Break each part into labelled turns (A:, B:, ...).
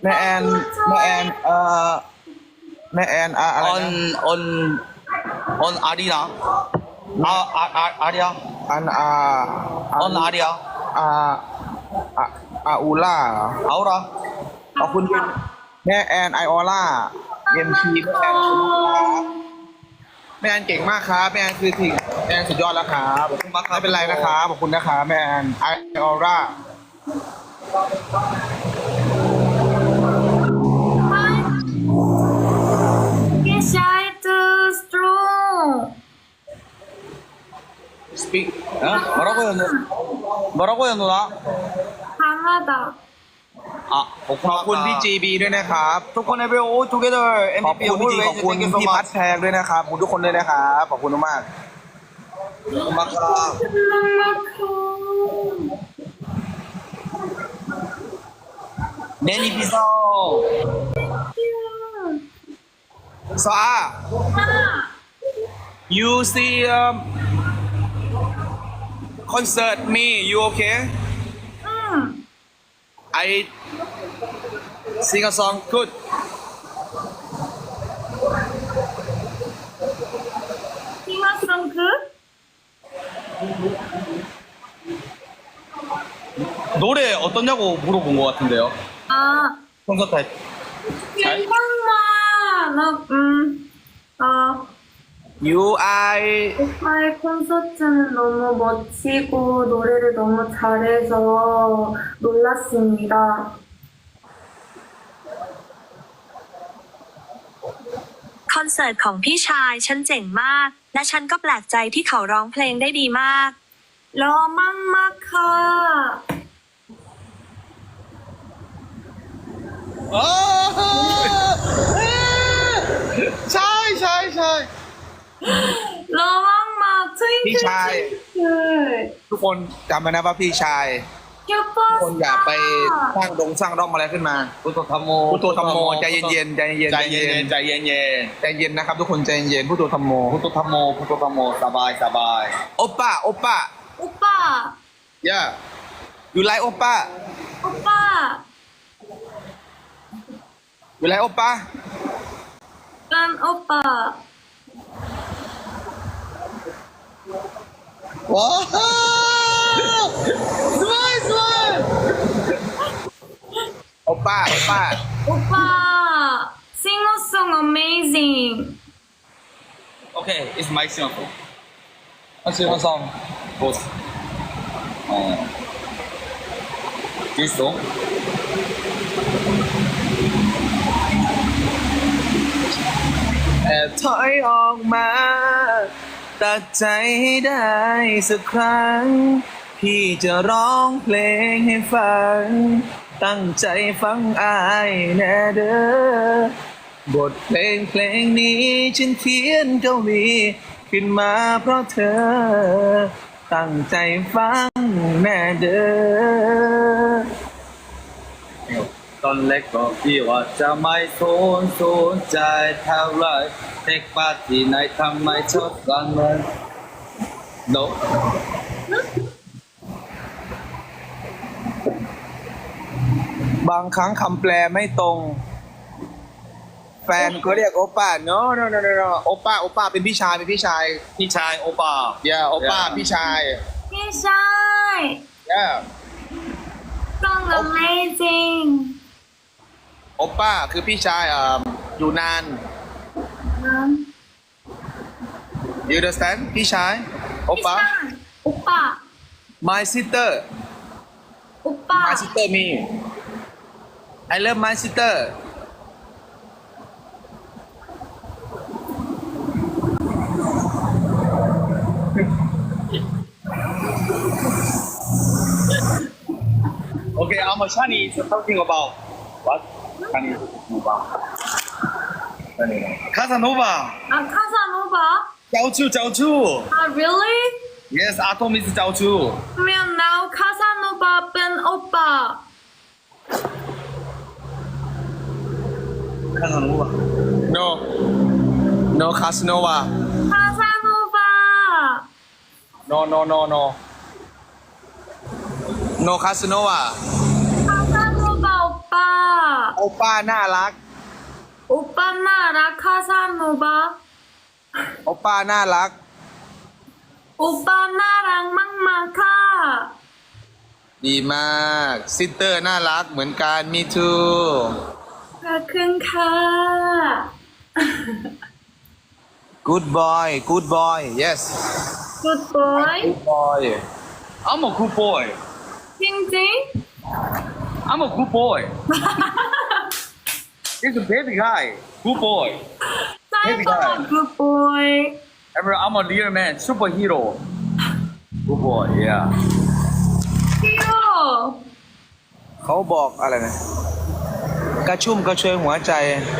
A: แม่แอนแม่แอนแม่แอนอะไรนะ
B: on 아리나 아리야
A: อัน
B: on 아리야
A: อาอูล่า
B: 아우라
A: ขอบคุณแม่แอนไอออล่าเอ็มพีแม่แอนเก่งมากครับแม่แอนคือสิ่งแม่แอนสุดยอดแล้วครับไม่เป็นไรนะครับขอบคุณนะครับแม่แอนไอออล่า
C: Get shy too strong.
B: speak 뭐라고요 뭐라고요 누나
C: 강하다.
B: 아
A: ขอบคุณพี่จีบีด้วยนะครับ
B: ทุกคน every all together
A: ขอบคุณพี่จีขอบคุณพี่พัดแพงด้วยนะครับขอบคุณทุกคนด้วยนะครับขอบคุณมาก
B: 고마워 매니 비서
A: ซา you see concert me you okay
C: 응.
A: I sing a song good
C: 싱어송 그?
B: 노래 어떠냐고 물어본 것 같은데요
C: 아,
B: 콘서트 할 잘?
C: 괜찮아.
A: you I
C: 오빠의 콘서트는 너무 멋지고 노래를 너무 잘해서 놀랐습니다.
D: คอนเสิร์ตของพี่ชายฉันเจ๋งมาก และฉันก็แปลกใจที่เขาร้องเพลงได้ดีมาก
C: 러망마카.
A: ใช่ใช่ใช่
C: 러망마 트윙클
A: 피차이.
C: 트윙클.
A: ทุกคนจำไว้นะว่าพี่ชายทุกคนอย่าไปสร้างสร้างร่องอะไรขึ้นมา
B: พุทโธธรรมโม
A: พุทโธธรรมโมใจเย็นๆใจเย็นๆ
B: ใจเย็นใจเย็น
A: ใจเย็นนะครับทุกคนใจเย็นพุทโธธรรมโม
B: พุทโธธรรมโมพุทโธธรรมโมสบายสบาย
A: โอป้าโอป้า
C: 오빠,
A: yeah you like โอป้า
C: 오빠.
A: you like โอป้า
C: 난 오빠.
A: ว้าวสวยสวยโอป้าโอป้า
C: 오빠, 싱어송 amazing.
B: Okay, it's my song. What's your song? Both. This song?
A: แต่ถอยออกมาตัดใจให้ได้สักครั้ง พี่จะร้องเพลงให้ฟัง ตั้งใจฟังอายแน่เด้อบทเพลงนี้ฉันเขียนเกาหลีขึ้นมาเพราะเธอ ตั้งใจฟังแน่เด้อ
B: ตอนเล็กก็พี่ว่าจะไม่สนใจเท่าไรเทคปาร์ตี้ไหนทำไมชอบกันเลย No
A: บางครั้งคำแปลไม่ตรง แฟนก็เรียกโอป้า no no no no no โอป้าโอป้าเป็นพี่ชายเป็นพี่ชาย
B: พี่ชายโอป้า
A: yeah โอป้า
B: Yeah.
A: พี่ชาย
C: 킹샤이.
A: yeah
C: song amazing.
A: โอป้าคือพี่ชายอยู่นาน you understand พี่ชายโอป้า
C: 오빠,
A: my sister
C: 오빠.
A: my sister me I love my sister
B: Okay, I'm a Chinese talking about what? Chinese about Casanova.
C: 아, 카사노바?
B: เจ้าชู้
C: 아, really?
B: Yes, Atom is เจ้าชู้
C: 그러면 now 카사노바 뺀 오빠.
B: Casanova.
A: no no Casanova
C: 카사노바.
A: no no no no no Casanova
C: 카사노바 오빠.
A: โอป้าน่ารัก
C: 오빠 나라 카사노바.
A: โอป้าน่ารัก
C: 오빠 나랑 막막하.
A: ดีมากซิสเตอร์น่ารักเหมือนกันมีทู
C: 가큰카.
A: good boy good boy yes
C: 굿보이.
A: good boy
B: I'm a good boy
C: 징징.
B: I'm a good boy He's a baby guy good boy
C: 사이버가 굿보이.
B: I'm a real man superhero good boy yeah
C: 귀여워.
A: เขาบอกอะไรนะกระชุ่มกระชวยหัวใจ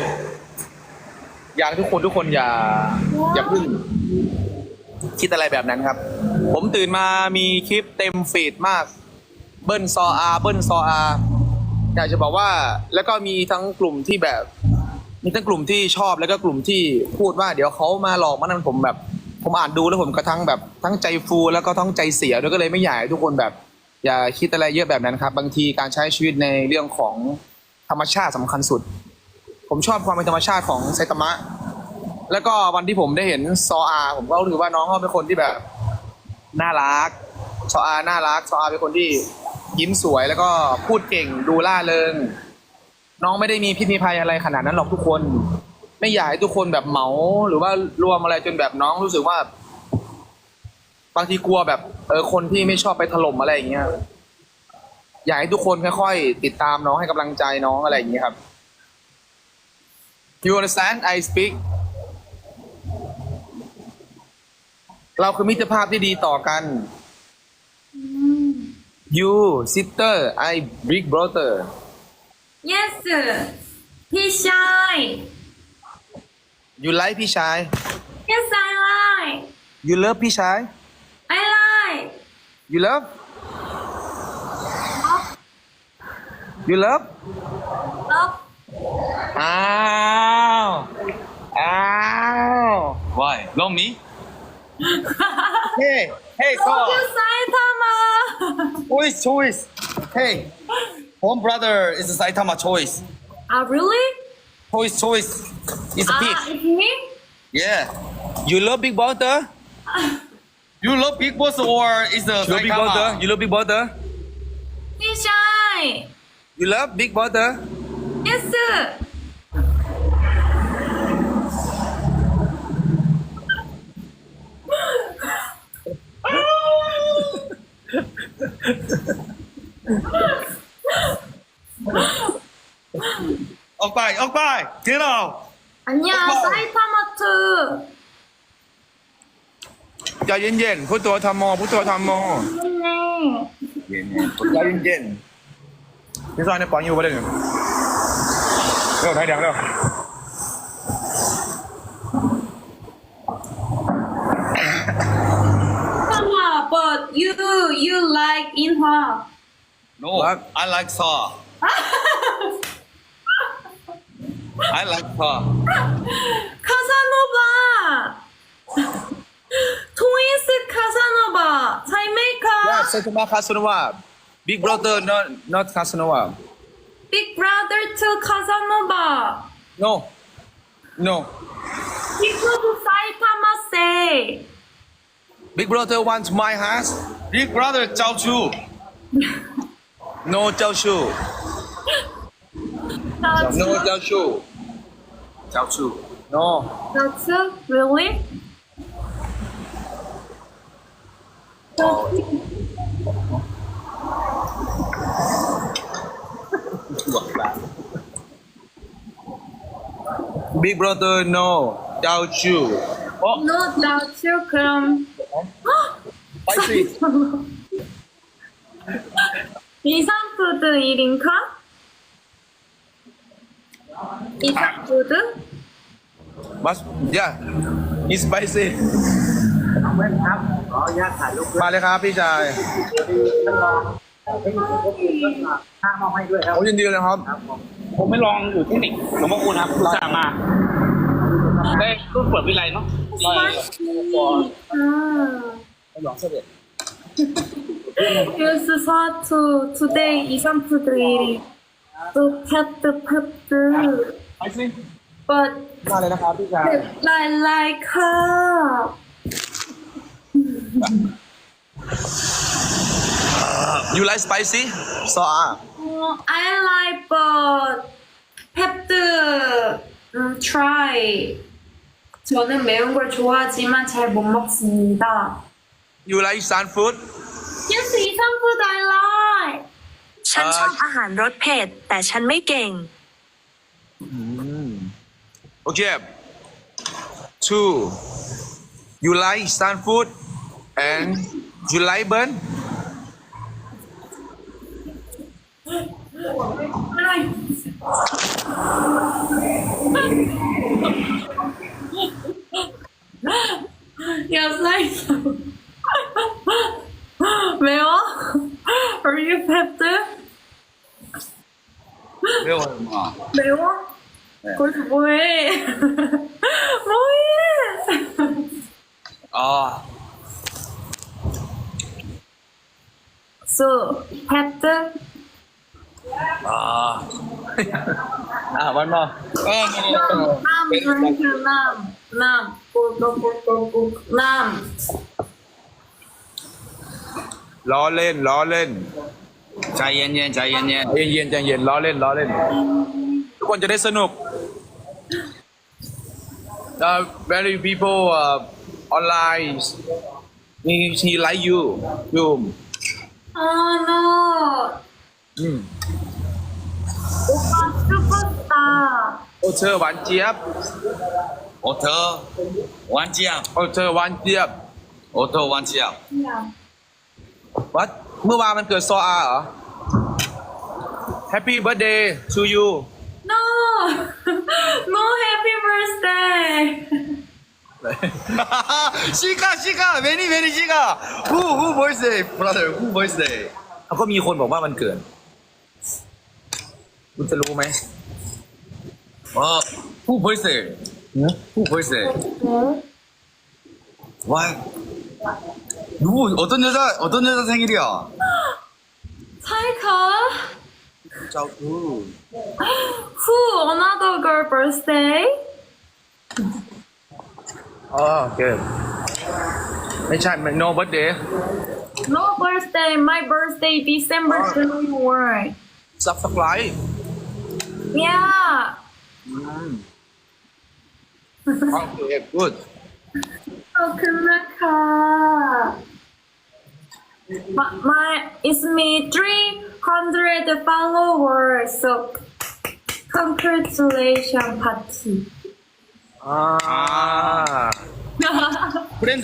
A: อยากทุกคนอย่าเพึ่งคิดอะไรแบบนั้นครับ ผมตื่นมามีคลิปเต็มฟีดมาก เบิ้ลซออาเบิ้ลซออาอยากจะบอกว่าแล้วก็มีทั้งกลุ่มที่แบบ มีทั้งกลุ่มที่ชอบแล้วก็กลุ่มที่พูดว่าเดี๋ยวเขามาหลอกมานั่นผมแบบ ผมอ่านดูแล้วผมก็ทั้งแบบทั้งใจฟูแล้วก็ทั้งใจเสียด้วยก็เลยไม่อยากให้ทุกคนแบบ อย่าคิดอะไรเยอะแบบนั้นครับ บางทีการใช้ชีวิตในเรื่องของธรรมชาติสำคัญสุด ผมชอบความเป็นธรรมชาติของไซตามะ แล้วก็วันที่ผมได้เห็นซออาผมก็รู้สึกว่าน้องเขาเป็นคนที่แบบน่ารักซออาน่ารักซออาเป็นคนที่ยิ้มสวยแล้วก็พูดเก่งดูล่าเริง น้องไม่ได้มีพิษมีภัยอะไรขนาดนั้นหรอกทุกคน ไม่อยากให้ทุกคนแบบเหมาหรือว่ารวมอะไรจนแบบน้องรู้สึกว่า บางทีกลัวแบบคนที่ไม่ชอบไปถล่มอะไรอย่างเงี้ยอยากให้ทุกคนค่อยๆติดตามน้องให้กำลังใจน้องอะไรอย่างเงี้ยครับ You understand I speak เราคือมิตรภาพที่ดีต่อกัน You sister I big brother
C: Yes. 피샤이.
A: You like พี่ชาย
C: Yes, I like.
A: You love พี่ชาย
C: I like.
A: You love You love
C: Love.
A: อ้าวอ้าว
B: Why love me
A: Hey Hey
C: Love
A: Saw
C: you, Saitama.
B: choice hey home brother is a Saitama choice
C: Really?
B: choice it's a peach
C: It's me?
B: yeah
A: You love big brother
B: you love big boss or is the
A: You love big brother
B: Saitama
A: You love big brother
C: 피샤이.
A: You love big brother
C: Yes.
B: 어빠이 get out
C: 아니야,
B: 오빠.
C: 사이타마트.
A: ใจเย็นๆพุทโธธรรมโมพุทโธธรรมโม
C: 네.
A: ใจเย็นๆพี่ซอยในปอนอยู่ประเด็นงเร็วไทยแดงเร็ว
C: Mama, but you like Inhwa.
B: no
A: What?
B: I like saw I like saw
C: 카사노바. 트윈스 카사노바.
A: Yeah
C: 사이메이카.
A: Saitama Casanova Big brother not Casanova
C: Big brother to Casanova.
A: No No
C: Because Saitama say.
A: Big brother wants my house
B: big brother เจ้าชู้
A: No เจ้าชู้ No เจ้าชู้
B: เจ้าชู้
A: No
C: That's really?
A: Big brother no เจ้าชู้
C: No, that's you. 그럼.
A: Spicy
C: 이상푸드 1인카? 이상푸드?
A: But yeah it's spicy มาเลยครับพี่ชาย
E: ค่ามอบให้ด้วยครับ
A: โอ้ยินดีเลยครับ
E: ผมไม่ลองอยู่เทคนิคหลวงพ่อคูณครับอุตส่าห์มาได้รุ่นเปิดวิไลเนาะ
C: 아. Use 사투 today 이상푸드 1인. to pet
A: ไปสิ
C: but
A: มาเลยนะครับพี่ชาย
C: like her.
A: You like spicy? So
C: I like but pet try. 저는 매운 걸 좋아하지만 잘 못 먹습니다.
A: You like Isan food?
C: Yes, Isan food I like.
D: ฉันชอบอาหารรสเผ็ดแต่ฉันไม่เก่ง
A: Okay. 2. You like Isan food and you like burn?
C: Yes, like 매워? Are you pet?
B: 没有什么。
C: 매워?
B: 네.
C: 거기서 뭐해? 뭐해?
B: 아,
C: So, pet?
B: 아, 아, one more.
C: 남.
A: ล้อเล่นล้อเล่น
B: ใจเย็นๆใจเย็น
A: ใจเย็นใจเย็นล้อเล่นล้อเล่น ทุกคนจะได้สนุก Very people online he like you
C: Oh no. 오빠 슈퍼스타.
A: โอเธอหวานเจี๊ยบ
B: ๆโอเธอหวานเจี๊ยบ
A: โอเธอหวานเจี๊ยบ
B: โอเธอหวานเจี๊ยบ
A: วัดเมื่อวานมันเกิดซออาเหรอ Happy birthday to you
C: No. No happy birthday.
B: 시가 many 시가 who birthday brother who birthday
A: เขาก็มีคนบอกว่ามันเกิด คุณจะรู้ไหม
B: who birthday who birthday why 누구 어떤 여자 생일이야
C: 차이카.
A: เจ้าคือ
C: Who another girl birthday?
A: อ๋อโอเค ไม่ใช่ no birthday
C: No birthday. My birthday December 21.
A: subscribe
C: Yeah.
A: โอเค good
C: ขอบคุณนะคะ My it's me 300 followers. So congratulations party.
A: อ่า
B: 브랜드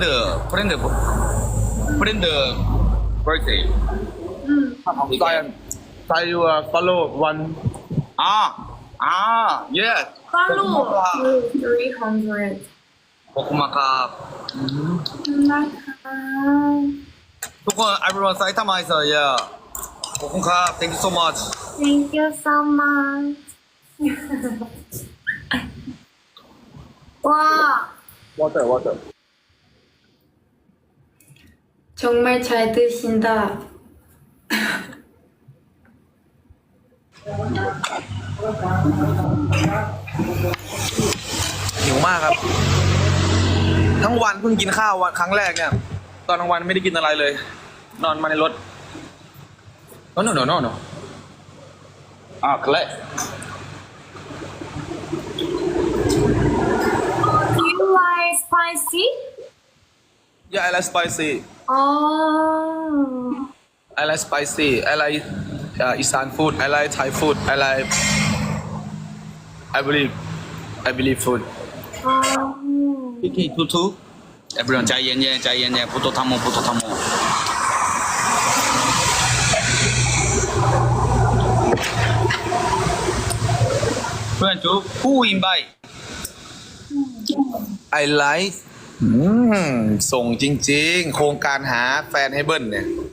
B: birthday
A: ใส่ใส่ follow one
B: 아 yes
C: Follow 300.
B: 고구마가
C: นะคะ
B: ทุกคน everyone 사이타마에서 yeah 고구마 thank you so much
C: Thank you so much. 와,
A: water
C: 정말 잘 드신다.
A: หิวมากครับ ทั้งวันเพิ่งกินข้าววันครั้งแรกเนี่ย ตอนกลางวันไม่ได้กินอะไรเลย นอนมาในรถ no
B: 그래
C: Do you like spicy?
A: yeah I like spicy
C: Oh.
A: I like spicy I like Isan food I like Thai food I like I believe food
B: 키키 투투 everyone ใจเย็นๆ부터 탐모เพื่อนจุ๊บ who invite
A: I like ส่งจริงๆ โครงการหาแฟนให้เบิ้ลเนี่ย